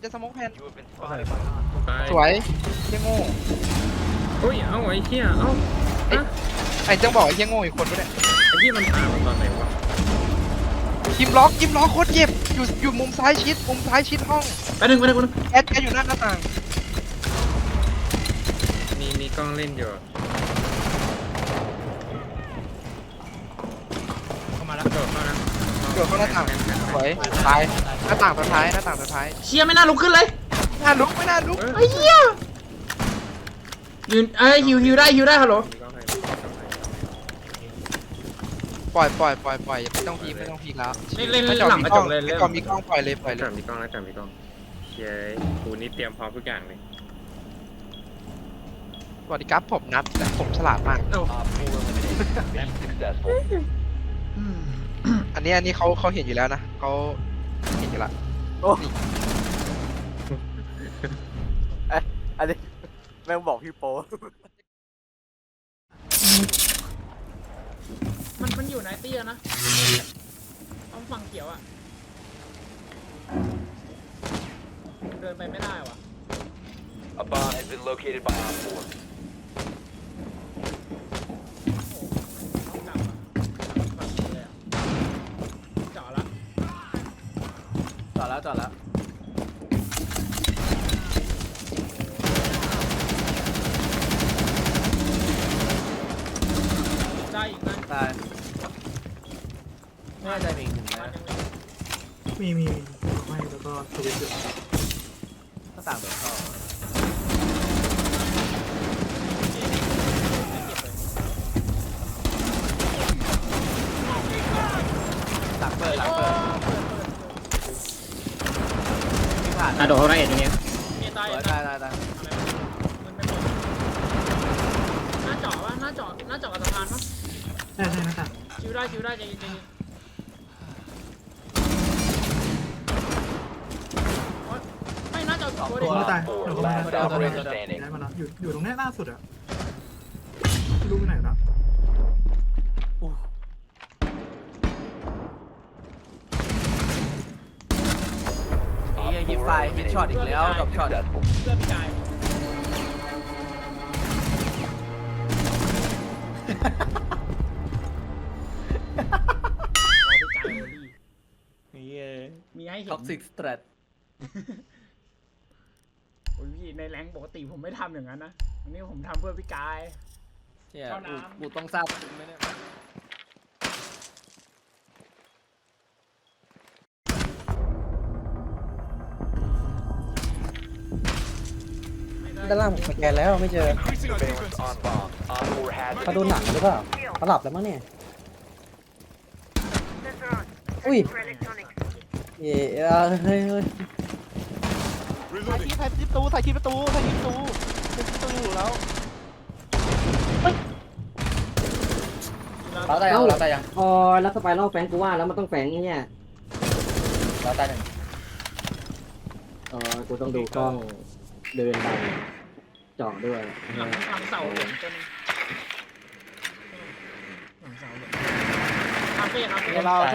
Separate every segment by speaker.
Speaker 1: จะสโมกแผ่น
Speaker 2: ตาย
Speaker 1: สวยเฮี้ยโง่
Speaker 2: อุ้ยเอาไอ้เหี้ยเอา
Speaker 1: ไอ้จังบอกไอ้เฮี้ยโง่อีกคนด้วย
Speaker 2: ไอ้ที่มันตามมาตอนไหนวะ
Speaker 1: ยิมล็อกโคตรเจ็บอยู่มุมซ้ายชิดห้อง
Speaker 3: ไปหนึ่ง
Speaker 1: แอดอยู่หน้าต่าง
Speaker 2: มีกล้องเล่นอยู่
Speaker 4: เข้ามาแล้ว
Speaker 2: กระโดดเข้านะ
Speaker 1: เกือบเข้าหน้าต่างสวยตายหน้าต่างสุดท้าย
Speaker 3: เชียไม่น่าลุกขึ้นเลย
Speaker 1: ไม่น่าลุก
Speaker 3: ไอ้เหี้ยยืนฮิวได้ฮัลโหล
Speaker 2: มีกล้องให้
Speaker 1: ปล่อยไม่ต้องพีแล้ว
Speaker 3: เล่นหลังกระจกเลย
Speaker 1: ไอ้ก่อนมีกล้องปล่อยเลย
Speaker 2: จับมีกล้องแล้วจับมีกล้องเย้กูนี่เตรียมพร้อมทุกอย่างเลย
Speaker 1: สวัสดีครับผมนัทแต่ผมฉลาดมาก อันนี้เขาเห็นอยู่แล้วนะเขาเห็นอยู่ละ
Speaker 5: อันนี้แม่งบอกพี่โป้
Speaker 3: มันอยู่ในเตี้ยนะต้องฝั่งเขียวอ่ะเดินไปไม่ได้วะ
Speaker 6: A bomb has been located by Op 4.
Speaker 3: ต้องกลับอ่ะฝั่งนี้เลยอ่ะเจาะละ
Speaker 5: จอดแล้ว
Speaker 3: ได้อีกนะ
Speaker 5: ตายไม่ได้มีอีกหนึ่งนะ
Speaker 4: มีไม่แล้วก็สวิตช์อยู่
Speaker 5: ก็ต่างโดดเข้าหลังเปิดมีผ่าน
Speaker 3: โดดเข้าได้เอ็ดอย่างเงี้ยมีตาย
Speaker 5: ตาย
Speaker 3: มันไม่หมดหน้าเจาะวะหน้าเจาะกับสะพานปะ
Speaker 4: ใช่นะครับ
Speaker 3: ชิวได้ใจเย็นไม่น่าจะตัว
Speaker 4: ผ
Speaker 3: เด็
Speaker 4: ม
Speaker 3: ก
Speaker 4: ไม่ตายเดี๋ยวผมมาแล้วได้มาแล้วอยู่ตรงนี้ล่าสุดอะไม่รู้ไปไหนแล้ว
Speaker 5: นี่ยิงไฟยิงช็อตอีกแล้วดรอปช็อต
Speaker 6: Successful.
Speaker 3: เพื่อพี่กายมีให้เห็น
Speaker 5: ท็อกซิกสเตรท
Speaker 3: โอ้ยพี่ในแรงปกติผมไม่ทำอย่างนั้นนะวันนี้ผมทำเพื่อพี่กาย
Speaker 5: เนี่ย
Speaker 3: เข้าน้ำ
Speaker 5: กูต้องทราบจริงไหมเนี่ย
Speaker 7: ด้านล่างผมสแกนแล้วไม่เจอ
Speaker 6: Surveillance on bomb. Op 4 has
Speaker 7: เขาดูหนังหรือเปล่าเขาหลับแล้วมั้งเนี่ยอุ้ยเฮ้ย
Speaker 1: ถ่ายคลิปประตูอยู่แล้ว
Speaker 5: เราตายยัง
Speaker 7: พอแล้วสไปรัลแฟงกูว่าแล้วมันต้องแฟงเนี่ย
Speaker 5: เราตายหนึ่ง
Speaker 7: กูต้องดูกล้องเดินไปเจาะด้วย
Speaker 3: หลังเสาเหลืองตัวนึงหลังเสาเหลืองคาเฟ่ไลน์ออฟ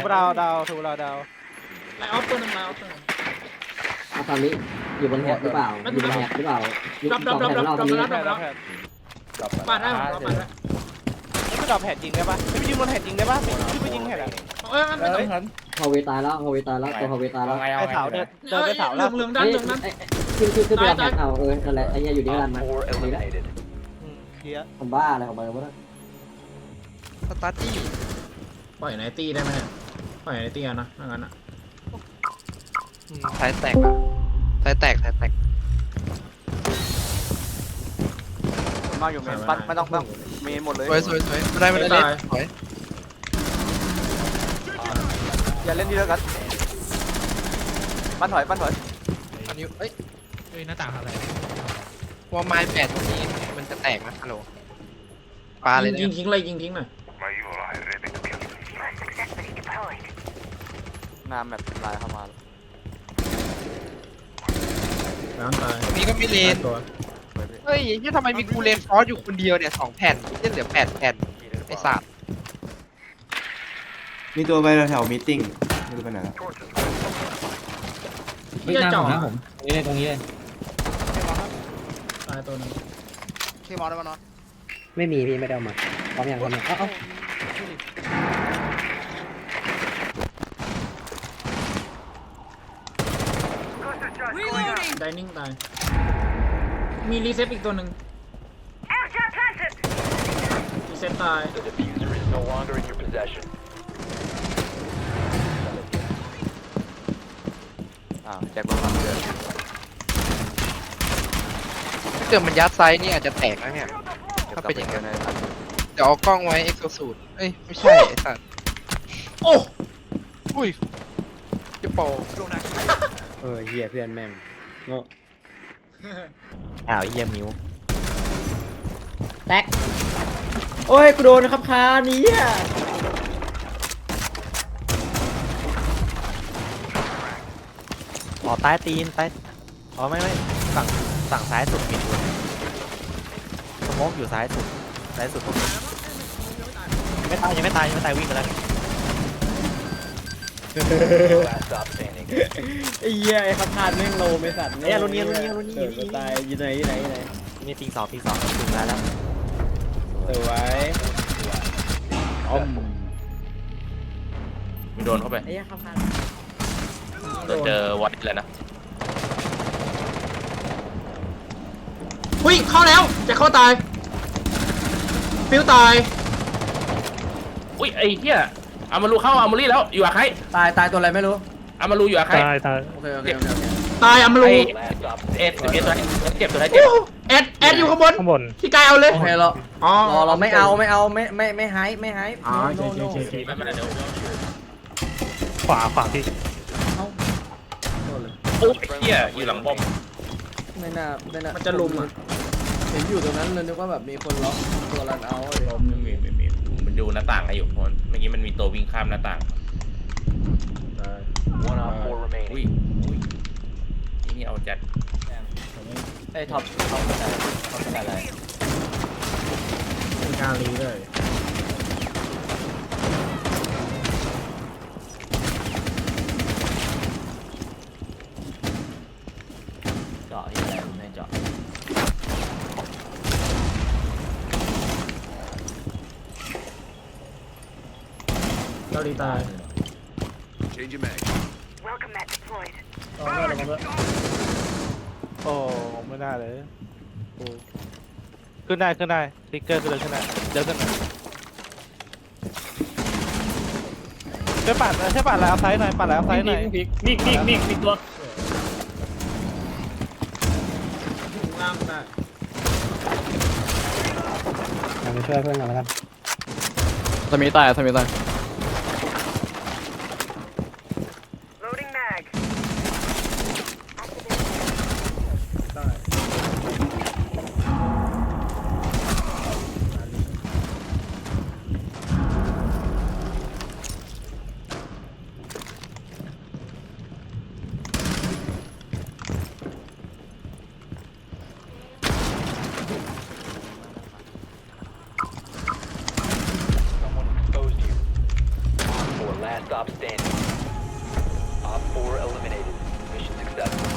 Speaker 3: ตัวนึงไลน์ออฟตัวนึง
Speaker 7: อาตอนนี้อยู่บนแฮดหรือเปล่าอยู่บนแฮดหรือเปล่าอยู่สองแฮดของเราตอนนี้
Speaker 3: ปาดได้ผมเราปาดได้
Speaker 1: ไม่ดรอปแผ่นยิงได้ปะไม่ยิงบนแผ่นยิงได้ปะไม่ยิงแผ่นอะ
Speaker 3: ไม่ต้อง
Speaker 7: ฮอเวตายแล้วตัวฮอเวตายแล้ว
Speaker 1: ไปเสาเดินไปเสาแล้ว
Speaker 3: เหลืองด้านเหลืองนั้น
Speaker 7: ขึ้นไปรับแฮดเอานั่นแหละไอ้เนี่ยอยู่ที่รัน
Speaker 6: Op
Speaker 7: มัน
Speaker 6: 4
Speaker 7: นี่แหละ
Speaker 6: eliminated.
Speaker 1: เคลียร์
Speaker 7: ผมบ้าอะไรของมันวะ
Speaker 1: สตาร์ตี้
Speaker 3: ปล่อยไนตี้ได้ไหมปล่อยไนตี้นะถ้างั้นอ่ะ
Speaker 1: สายแตกสายแตก
Speaker 5: มากอยู่เมนปั้นไม่ต้องเมนหมดเลย
Speaker 1: สวยไม่ได้เล่นสวย
Speaker 5: อย่าเล่นดีแล้วกันปั้นถอย
Speaker 1: อันนี้เอ้ย
Speaker 4: เฮ้ยหน้าต่างอะไร
Speaker 1: วอลไม้แปดตรงนี้มันจะแตกนะฮัลโหลปลาเลย
Speaker 3: ยิ
Speaker 1: เนี่ย
Speaker 3: งทิ้งเลยยิงทิ้งหน่อย
Speaker 5: น้ำแบบลายเข้ามา
Speaker 3: แล้วตาย
Speaker 1: ตรงนี้ก็มีเลน
Speaker 3: ตัว
Speaker 1: เฮ้ยนี่ทำไมมีกูเลนฟอสอยู่คนเดียวเนี่ย2 แผ่นยังเหลือ8 แผ่นไอ้สัตว์
Speaker 8: มีตัวไปแถวมีติ้งไม่รู้ไปไหนแล้ว
Speaker 1: เ
Speaker 3: ที่จะจ่อ
Speaker 8: ผมนี่เลยตรงนี้เลย
Speaker 3: ตายตัวหนึง
Speaker 5: เคมอลได้ปะเนาะ
Speaker 7: ไม่มีพี่ไม่ได้เอามาพร้อมยังเอ้า
Speaker 3: ไดนิ่งตายมีรีเซ็ตอีกตัวหนึ่งรีเซ็ตตาย
Speaker 6: The diffuser is no longer in your possession.
Speaker 5: แจ็คบอลมาเกิด
Speaker 1: ถ้าเกิดมันยัดไซส์นี่อาจจะแตกนะเนี่ยถ้าเป็นอย่างนั้นเดี๋ยวเอากล้องไว้เอ็กโซสูตรเอ้ยไม่ใช่ไอ้สัตว์
Speaker 3: โอ้
Speaker 1: อุ้ยจะโป
Speaker 7: เฮียเพื่อนแม่งโง่
Speaker 5: อ้าวเยี่ยมิว
Speaker 7: แตกโอ้ยกูโดนครับคานี้อ่ะ
Speaker 5: อ๋อใต้ตีนใต้อ๋อไม่ฝั่งซ้ายสุดมีตัวสโมกอยู่ซ้ายสุดยังไม่ตายวิ่งไปแล้ว
Speaker 6: Last stop standing.
Speaker 7: ไอ้เหี้ยไอ้ครับคาแม่งโลไม่สัตว์
Speaker 5: เนี่ยรุ่นนี้
Speaker 7: ตายอยู่ไหน
Speaker 5: นี่ปีสองถึงได้แล้ว
Speaker 7: สวย
Speaker 2: มึงโดนเข้าไป
Speaker 7: ไอ้เหี้ยครับคา
Speaker 2: เจอวัดแล้วนะ
Speaker 3: หุ้ยเข้าแล้วจะเข้าตายฟิวตาย
Speaker 2: อุ้ยไอ้เหี้ยเอามารูเข้าเอามารีแล้วอยู่อะใคร
Speaker 7: ตายตัวอะไรไม่รู้
Speaker 2: เอามารูอยู่อะใคร
Speaker 7: โอเค
Speaker 3: ตายอัมรู
Speaker 6: Last stop
Speaker 2: เอ็ด
Speaker 6: standing.
Speaker 2: เอ็ดตัวเจ็บตัวไหน
Speaker 3: โอ้
Speaker 2: เจ็บ
Speaker 3: แอดอยู่ข้างบนพี่กายเอาเลย
Speaker 7: โอเคเรา
Speaker 3: อ๋อ
Speaker 7: เราไม่หาย
Speaker 3: อ๋อ
Speaker 7: โน่
Speaker 3: โอเค
Speaker 2: ไม่เป็นไรเดี๋ยว
Speaker 8: ขวาพี่
Speaker 2: โอ้ยเหี้ยอยู่หลังบอม
Speaker 7: ไม่น่า
Speaker 3: มันจะลุมอ่ะ
Speaker 7: เห็นอยู่ตรงนั้นเลยนึกว่าแบบมีคนล็อกตัวรันเอา
Speaker 2: มีมันดูหน้าต่างให้อยู่คนเมื่อกี้มันมีตัววิ่งข้ามหน้าต่าง
Speaker 6: One op 4
Speaker 2: อุ้ย
Speaker 6: remaining.
Speaker 2: อุ้ยนี่เอาจัด
Speaker 5: ไอ้ท็อปเป็นอะไร
Speaker 3: เป็นการรีเลย
Speaker 5: เจาะที่อะไรไม่เจาะ
Speaker 3: เราดีตาย
Speaker 8: โอ้ไม่ได้เลยขึ้นได้ติ๊กเกอร์ขึ้นได้เดี๋ยวขึ้นช่วยปัดแล้วเอาไซส์หน่อยปัดแล้วเอาไซส์หน่อย
Speaker 3: มีตัวล่างได้
Speaker 7: ไปช่วยเพื่อนกันแล้วกัน
Speaker 5: สมีตาย
Speaker 6: Exposed you. Op 4 last stop standing. Op 4 eliminated. Mission successful.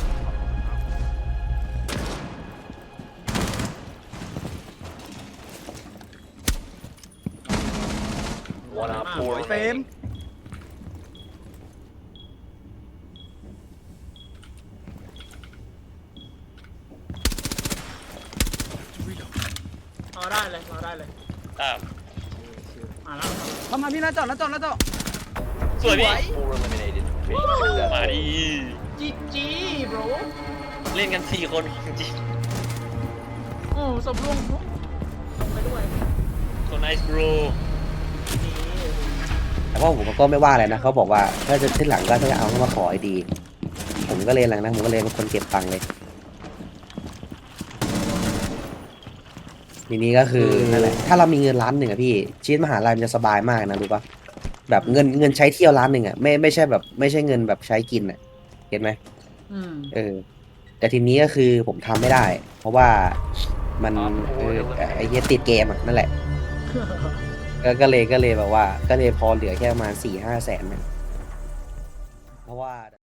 Speaker 6: One op 4 remaining.
Speaker 3: รอได้เลยมาแล้ว
Speaker 5: มาพี่นะจอด
Speaker 2: สวยพี่
Speaker 6: 4 eliminated. Mission successful.
Speaker 2: มาดิ
Speaker 3: จีโบร
Speaker 2: เล่นกัน4 คนจริง
Speaker 3: โอ้สมรวมไปด้วย
Speaker 2: so nice bro
Speaker 7: แต่ว่าผมก็ไม่ว่าอะไรนะเขาบอกว่าถ้าจะที่หลังก็จะเอาเข้ามาขอไอดีผมก็เลยหลังนะผมก็เลยเป็นคนเก็บตังค์เลยทีนี้ก็คือนั่นแหละถ้าเรามีเงิน1,000,000อะพี่ชีวิตมหาลัยมันจะสบายมากนะรู้ปะแบบเงินใช้เที่ยว1,000,000อะไม่ใช่แบบไม่ใช่เงินแบบใช้กินอะเห็นไหมแต่ทีนี้ก็คือผมทำไม่ได้ เพราะว่ามันไอ้เหี้ยติดเกมอะนั่นแหละ ก็เลยแบบว่าก็เลยพอเหลือแค่ประมาณ4-5 แสนนะเพราะว่า